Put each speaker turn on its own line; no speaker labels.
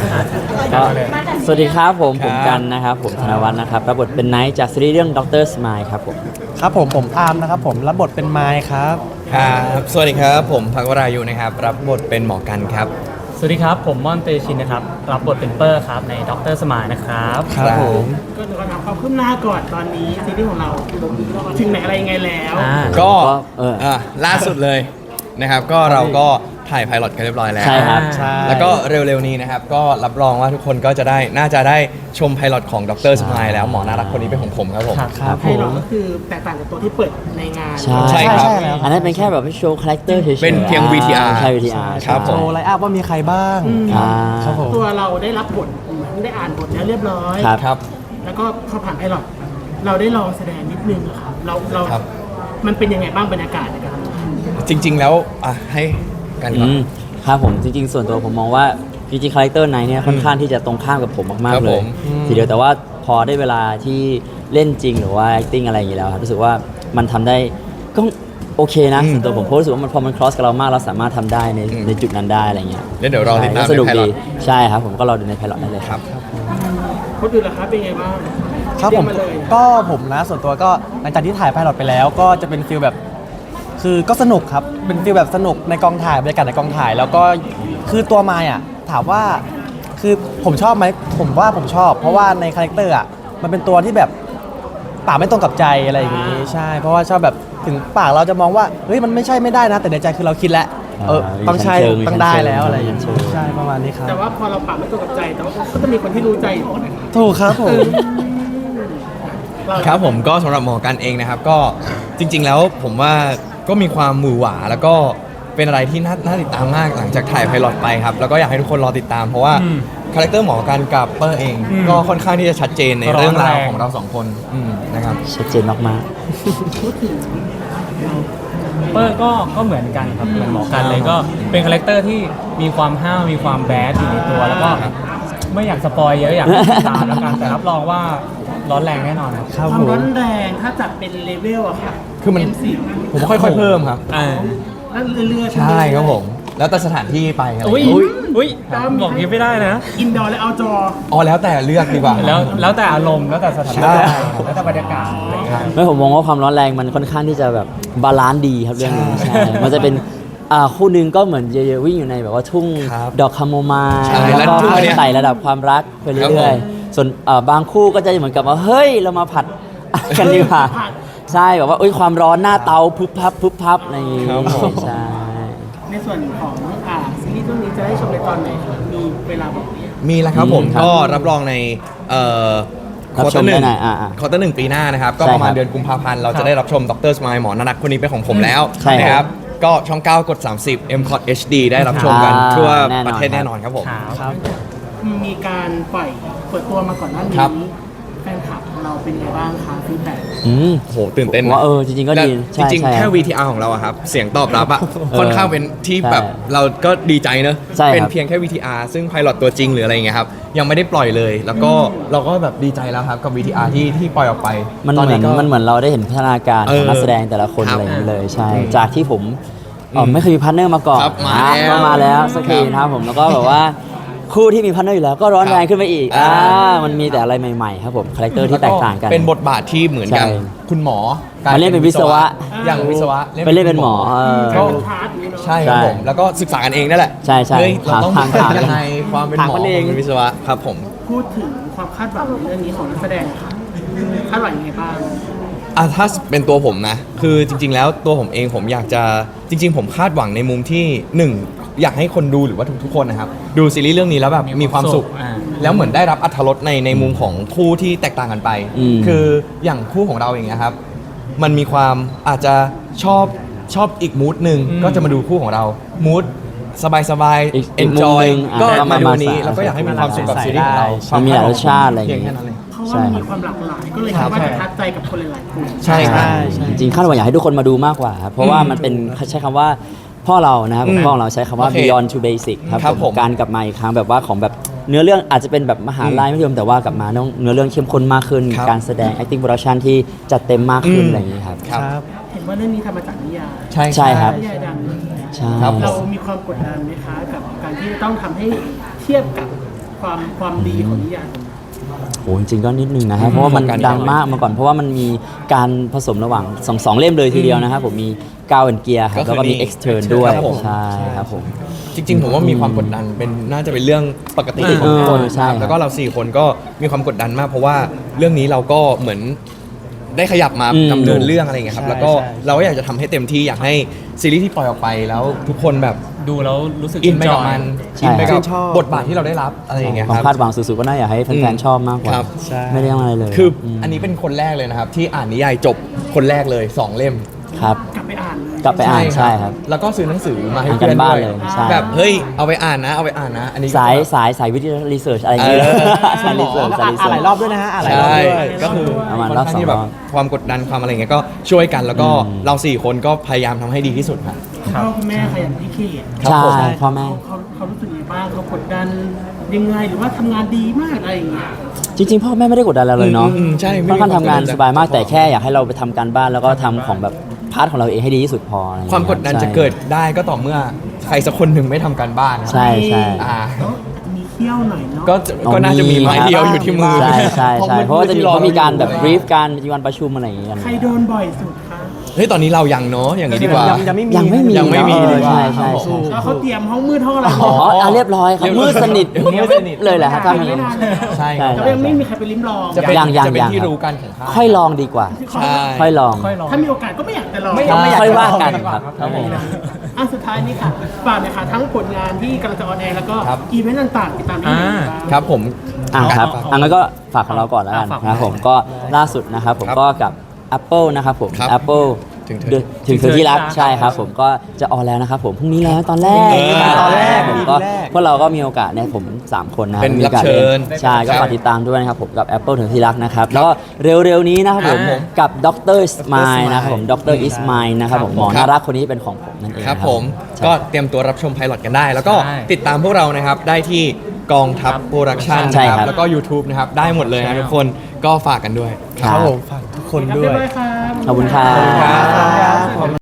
ก็สวัสดีครับผม
ครับ
กันนะครับผมธนวัฒน์นะครับรับบทเป็นไนท์จากซีรีส์เรื่องด็อกเตอร์สมายครับผม
ครับผมอาร์มนะครับผมรับบทเป็นไมค์ครับ
ครับสวัสดีครับผมพักวรายุนะครับรับบทเป็นหมอกันครับ
สวัสดีครับ ผมม่อนเตชินนะครับรับบทเป็นเปอร์ครับในด็อกเตอร์สมายนะครับ
ครับผม
ก็เดี๋ยวเราถามความคืบหน้าก่อนตอนนี้ซีรีส์ของเราถึงไหนอะไรยังไงแล้ว
ก็
เออ
ล่าสุดเลยนะครับก็เราก็ถ่ายไพลอตกันเรียบร้อยแล้ว
ใช่ครับ
ใช่
แล้วก็เร็วๆนี้นะครับก็รับรองว่าทุกคนก็จะได้น่าจะได้ชมไพลอตของดรสมายแล้วหมอน่ารักคนนี้เป็นของผมครับผม
ครับผ
ให้เรา
ม
ก็คือแตกต่างจากตัวที่เปิดในงาน
ใช่
ใช่ครับ
แล้ว
อันนั้นเป็นแค่แบบโชว์คาแรคเตอร์เฉยๆ
เป็นเพียง VTR
ใช่ VTR
ครับผม
โชว์ไลน์อัพว่ามีใครบ้าง
อ่า
ครับผม
ตัวเราได้รับบทได้อ่านบทแล้วเรียบร้อย
ครับ
ครับ
แล้วก็พอผ่านไพลอตเราได้ลองแสดงนิดนึงอะครับเรา
ครับ
มันเป็นยังไงบ้างบรรยากาศนะครับ
จริงๆแล้วให้กันก่อน
ครับผมจริงๆส่วนตัวผมมองว่าจริงๆคาแรคเตอร์ไนท์เนี่ยค่อนข้างที่จะตรงข้ามกับผมมาก
ครั
ๆ
บ
เล
ผ
ย
ม
ทีเดียวแต่ว่าพอได้เวลาที่เล่นจริงหรือว่า acting อะไรอย่างนี้แล้วครับรู้สึกว่ามันทำได้ก็โอเคนะส่วนตัวผมเพราะรู้สึกว่ามันพอมัน cross กับเรามากเราสามารถทำได้ในจุดนั้นได้อะไรเงี้ย
แล้วเดี๋ยวรอติดตาม
ใช่ก็สนุก
ในไพลอ
ดี
ต
ใช่ครับผมก็รอดูในไพลอตได้เลย
ครับ
คนอื่นล่ะครับเป็นไงบ้าง
ครับผม
เยกาเลย
ก็ผมนะส่วนตัวก็หลังจากที่ถ่ายไพลอตไปแล้วก็จะเป็นฟิลแบบคือก็สนุกครับเป็นฟิลแบบสนุกในกองถ่ายบรรยากาศในกองถ่าย แล้วก็คือตัวไมค์อ่ะถามว่าคือผมชอบไหมผมว่าผมชอบ เพราะว่าในคาแรคเตอร์อ่ะมันเป็นตัวที่แบบปากไม่ตรงกับใจอะไรอย่างงี้ใช่ เพราะว่าชอบแบบถึงปากเราจะมองว่าเฮ้ยมันไม่ใช่ไม่ได้นะ แต่ในใจคือเราคิดแล้วต้องใช่ต้องได้แล้วอะไรอย่างงี้ใช่ประมาณนี้ครับ
แต่ว่าพอเราปรับไม่ตรงกับใจแต่ว่าก็จะมีคนที่รู้ใจอยู่นะครับ
ถูกครับผม
เรา
ครับผมก็สำหรับหมอกันเองนะครับก็จริง ๆ แล้วผมว่าก็มีความหวือหวาแล้วก็เป็นอะไรที่น่าติดตามมากหลังจากถ่ายไพลอตไปครับแล้วก็อยากให้ทุกคนรอติดตามเพราะว่าคาแรคเตอร์หมอกันกับเปอร์เอง ก็ค่อนข้างที่จะชัดเจนในเรื่องราวของเราสองคนนะครับ
ชัดเจนมาก
เปอร์ก็เหมือนกันครับเหมือนหมอกันเลยก็เป็นคาแรคเตอร์ที่มีความห้าวมีความแบดอยู่ในตัวแล้วก็ไม่อยากสปอยเยอะอยากให้ติดตามแล้วกันแต่รับรองว่าร้อนแรงแน่นอนครับ
ครับ
ควา
ผม ม
ร้อนแรงถ้าจัดเป็นเลเวลอะค่ะ
คือมัน
M10
ผมก็ค่อยๆเพิ่มครับ
แล้วเรื่อยๆ
ใช่ครับผม แล้วแต่สถานที่ไปอะไร
อุ้ย
อย่างเงี้ย
อุ้ยบอกนี้ไม่ได้นะ
อินดอร์และเอาจอ
อ๋อแล้วแต่เลือกดีกว่า
แล้วแต่อารมณ์แล้วแต่สถาน
ใช่
การณ์แล้วแต่บรรยากาศอะไรอย่างเงี้ย
ๆไม่ผมมองว่าความร้อนแรงมันค่อนข้างที่จะแบบบาลานซ์ดีครับเรื่องนี้ใช่มันจะเป็นคู่หนึงก็เหมือนเยอะๆวิ่งอยู่ในแบบว่าทุ่ง
ครับ
ดอกคาโมไมล์
ใช่
แล้วก็
แล้วทุ่งอันเนี้ย
ไต่ระดับความรักไป
ครับผ
เรื่อย
ม
ๆส่วนบางคู่ก็จะเหมือนกับว่าเฮ้ยเรามาผัด กันดีกว่า
ผัด
ใช่แบบว่าเอ้ยความร้อนหน้าเตาพึบพับพึบพับอะไรอย่างงี้
ครับผม
ใช่
ในส่วนของซีรีส์เรื่องนี้จะได้ชมในตอนไหนครับมีเวลาบอกไหม
มีแล้วครับผม
ครับ
ก็รับรองใน
รับชมได้หน่อยอ่า
ควอเตอร์หนึ่งปีหน้านะครับก็
ใช่
ประมาณ
ครับ
เดือนกุมภาพันธ์เราจะได้รับชมดรสมายหมอนารักคนนี้เป็นของผมแล้ว
ใช่ครับ
นะครับก็ช่อง 9 กด 30 m c o t HD ได้รับชมกันทั่วประเทศแน่นอนครับผม
ครับ
มีการเปิดตัวมาก่อนหน้านี้
ครับ
แฟนคลับของเราเป็นไงบ้างคะฟีดแบ็ก
อืม
โหตื่นเต้น
ผมว่าจริงๆก็ดี
และ
ใช่
จริง
ใช่
ๆ แค่
ครับ
VTR ของเราอะครับ เสียงตอบรับอะ
เออ
ค่อนข้างเป็นที่แบบ
ใช่
เราก็ดีใจเนอะ
ใช่ครับ
เป็นเพียงแค่ VTR ซึ่งไพลอตตัวจริงหรืออะไรอย่างเงี้ยครับ ยังไม่ได้ปล่อยเลย แล้วก็เราก็แบบดีใจแล้วครับกับ VTR ที่ปล่อยออกไป
มัน
ต
เหมือน
ก็
มันเหมือนเราได้เห็นพัฒนาการของนักแสดงแต่ละคน
ครับ
อะไรอย่างนี้เลยใช่ จากที่ผมไม่เคยมีพาร์ทเนอร์มาก่อน
ครับมา
อ่ะ
แล้ว
ก็มาแล้วสักทีนะครับผมแล้วก็แบบว่าคู่ที่มีพาร์ทเนอร์อยู่แล้วก็ร้อนแรงขึ้นไปอีก
อ่า
มันมีแต่อะไรใหม่ๆครับผมคาแรคเตอร์ที่แตกต่างกัน
เป็นบทบาทที่เหมือนกัน
ใช่
คุณหมอ
มาเล่นเป็นวิศวะ
อย่างวิศวะ
ไปเล่นเป็นหมอ
ก็
เป็นพาร์ทนี้เนาะ
ใช่ครับผม แล้วก็ศึกษากันเองนั่นแหละ
ใช่ใช่
เฮ้ยเราต้อง
ถาม
ยังไงความเป็นหมอ
ถามกันเอง
เป็นวิศวะครับผม
พูดถึงความคาดหวังในเรื่องนี้ของนักแสดงค่ะคาดหวังยังไงบ้าง
ถ้าเป็นตัวผมนะ คือจริง ๆ แล้วตัวผมเองผมอยากจะจริง ๆ ผมคาดหวังในมุมที่หนึ่งอยากให้คนดูหรือว่าทุกๆคนนะครับดูซีรีส์เรื่องนี้แล้วแบบมีความสุข แล้วเหมือนได้รับอรรถรสในมุมของคู่ที่แตกต่างกันไป คืออย่างคู่ของเราอย่างเงี้ยครับ มันมีความอาจจะชอบอีกมูดหนึ่งก็จะมาดูคู่ของเรามูดสบาย
อีก
ๆ enjoy
มุมหนึ่ง
ก็
อ่ะ
มาดู
มา
นี้
สาย
แล้วก็อยากให้มีความสุขกับซีรีส์ของเรา
มันมีหลายรสชาติอะไรอย่าง
เพียง
เงี้ย
แค่นั้นเลย
เพราะว่ามันมีความหลากหลายก็เลยคิดว่าจะทัดใจกับคนหลายๆกลุ่ม
ใช่ครับ
จริงๆคาดหวังอยากให้ทุกคนมาดูมากกว่าครับเพราะว่ามันเป็นใช้คำว่าพ่อเรานะครับพ่อของเราใช้คำว่า
โอเค
beyond to basic ครับ
ครับ
ผ
ผม
มการกลับมาอีกครั้งแบบว่าของแบบเนื้อเรื่องอาจจะเป็นแบบมหาลัยไม่ยมแต่ว่ากลับมาต้องเนื้อเรื่องเข้มข้นมากขึ้น
ครับ
การแสดง acting production ที่จัดเต็มมากขึ้นอะไรอย่างนี้ยครับ
ครับ
ครับ
เห็นว่าเรื่องนี้ทำมาจากนิยาย
ใช่ครับ
นิยายดังเลย
ใช่
ครับผม
เรามีความกดดันไหมคะกับการที่ต้องทำให้เทียบกับความดีของนิยายของ
โอ้จริงๆก็นิดนึงนะครับเพราะว่ามันดังมากมาก่อนเพราะว่ามันมีการผสมระหว่างสองเล่มเลยทีเดียวนะครับผมมีกาวแอนเกียร์ครับแล้วก็มี extern ด้วย
ครับผม
ใช่ครับผม
จริงๆผมว่ามีความกดดันเป็นน่าจะเป็นเรื่องปกติของทุกคน
ใช่ครับ
แล้วก็เรา4คนก็มีความกดดันมาก เพราะว่าเรื่องนี้เราก็เหมือนได้ขยับมาดำเนินเรื่องอะไรอย่างเงี้ยครับ
ใช่
แล้วก็
ใช่
เราก็อยากจะทำให้เต็มที่อยากให้ซีรีส์ที่ปล่อยออกไปแล้วทุกคนแบบ
ดูแล้วรู้สึก
อินไปกับมัน
ใช่
อินไปกับ
ชอบ
บทบาทที่เราได้รับอะไรอย่างเงี้ย
ความ
ครับ
คาดหวังสูงๆก็น่าอยากให้แฟนๆชอบมากกว่า
ครับ
ใช่
ไม่ได้อะไรเลย
คืออันนี้เป็นคนแรกเลยนะครับ ที่อ่านนิยายจบคนแรกเลย 2 เล่ม
ครับ
กลับไปอ่านเลย
กลับไปอ่านใช่ครับ
แล้วก็ซื้อหนังสือมาให้
อ่านกั
เพื่อน
นบ้าน
ด้วย
เลยใช่
แบบเฮ้ยเอาไปอ่านนะเอาไปอ่านนะ อันนี้ก็
สายวิทยารีเสิร์ชอะไรอย่างเงี้ย
เออ
สายรีเสิร์ชสายรี
อ่าน
เสิ
ห
ร์
ลาย
ช
รอบด้วยนะฮะอ่านหลายรอบ
ใช่
ด้วย
ก็คือ
ประมาณ
ค่อน
รอบ
ข้างที่แบบ
2 รอบ
ความกดดันความอะไรอย่างเงี้ยก็ช่วยกันแล้วก็
อืม
เรา4คนก็พยายามทำให้ดีที่สุดครับ
คุณพ่อคุณแม่ขยันพิเศษ
ครับ
ใช่
ผม
พ่อแม่
เขารู้สึกยังไงบ้างเขากดดันยังไงหรือว่าทำงานดีมากอะไรอย่างเงี้ย
จริงๆพ่อแม่ไม่ได้กดดันเราเลยเนาะ
ใช่ไม่
ค่อน
มี
ข้างทำงาน
คว
สบายมาก
ดดัน
แต่แค่อยากให้เราไปทำการบ้านแล้วก็ทำของแบบพาร์ทของเราเองให้ดีที่สุดพออะไรอย่ง
ค
เงี้
วาย มกดดันจะ
ใช่
เกิดได้ก็ต่อเมื่อใครสักคนหนึ่งไม่ทำการบ้านครับ
ใช่ใช่
อ่า
แล้วมีเขี้ยวหน่อยเนาะ
ก็น่าจะมีไม้เดียวอยู่ที่มือ
ใช่ใช่
ห้อง
ใช่
มืดๆ
เพราะว่าจะมี
ที่อ
เขามีการแบบ
อยู่
บรีฟการมีวันประชุมอะไรอย่างเงี้ยกัน
ใครโดนบ่อยสุดคะ
เฮ้ยตอนนี้เรายังเนาะอย่างนี้ดีกว่า
ยังไม่มี
ยังไม่มี
ยังไม่มี
เนอะ
ดีกว่า
ใช่ใช่
ครับ
ใช่
ผม
แล้วเขาเตรียมห้องมืดห้องอะไร
อ๋ออ่ะเรียบร้อยครับ
เรียบร้อย
มืดสนิท
มืดสนิท
เลยแหละครับถ้า
ไม่
อย่าง
นาน
นั้น
เลย
ใช่
ใช่
แต่ยังไม่มีใครไปลิ้มลอง
จะเป็น
ยัง
จะเป็นที่
ครับ
รู้กันของข้าง
ค่อยลองดีกว่า
ใช่
ค่อยลอง
ค่อยลอง
ถ้ามีโอกาสก็ไม่อยากจะลอง
ไม่อยาก
ค่อยว่ากันครับครับผม
อ่ะสุดท้ายนี่ค่ะฝากหน่อยค่ะทั้งผลงานที่กำลังจะออนแอร์แล้วก็
ครับ
อีเวนต์ต่างๆติดตามที่ไหนบ้าง
ครับผม
ครับอันนั้นก็ฝากของเราก่อนแล้วกัน
ฝาก
นะครับผมก็ล่าสุดนะครับผม
ครับ
ก็กับ Apple นะครับผม
ครับ
Apple
ถึงเธอ
ถึงเธอที่รักใช่ครับผมก็จะออนแล้วนะครับผมพรุ่งนี้แล้วตอนแรก
ตอนแรก
ผมก็
แรก
พวกเราก็มีโอกาสเนี่ยผม 3 คนนะครับ
เป็น
มีโอกาส
รับเชิญ
ใช่ก็
ครับ
ฝากติดตามด้วยนะครับผมกับ Apple ถึงที่รักนะครับแล้วก็เร็วๆนี้นะครับผม
อ่า
กับดรสมายนะครับผมดรอิสมายนะครับผมหมอ
ครับ
น่ารักคนนี้เป็นของผมนั่นเอง
ครับ
นะ
ผม
ใช่
ก็เตรียมตัวรับชมไพลอตกันได้ แล้วก็
ใช่
ติดตามพวกเรานะครับ ได้ที่กองทัพโปรดักชัน
ใช่
นะค
ครั
รับ บ แล้วก็ YouTube นะครับ ได้หมดเลยนะทุกคนก็ฝากกันด้วย
ครับ
ผมฝากทุกคน
ครับ
ด้
เรี
วย
บร้อยครับ
ขอบคุณครั
ขอบคุณครับ บ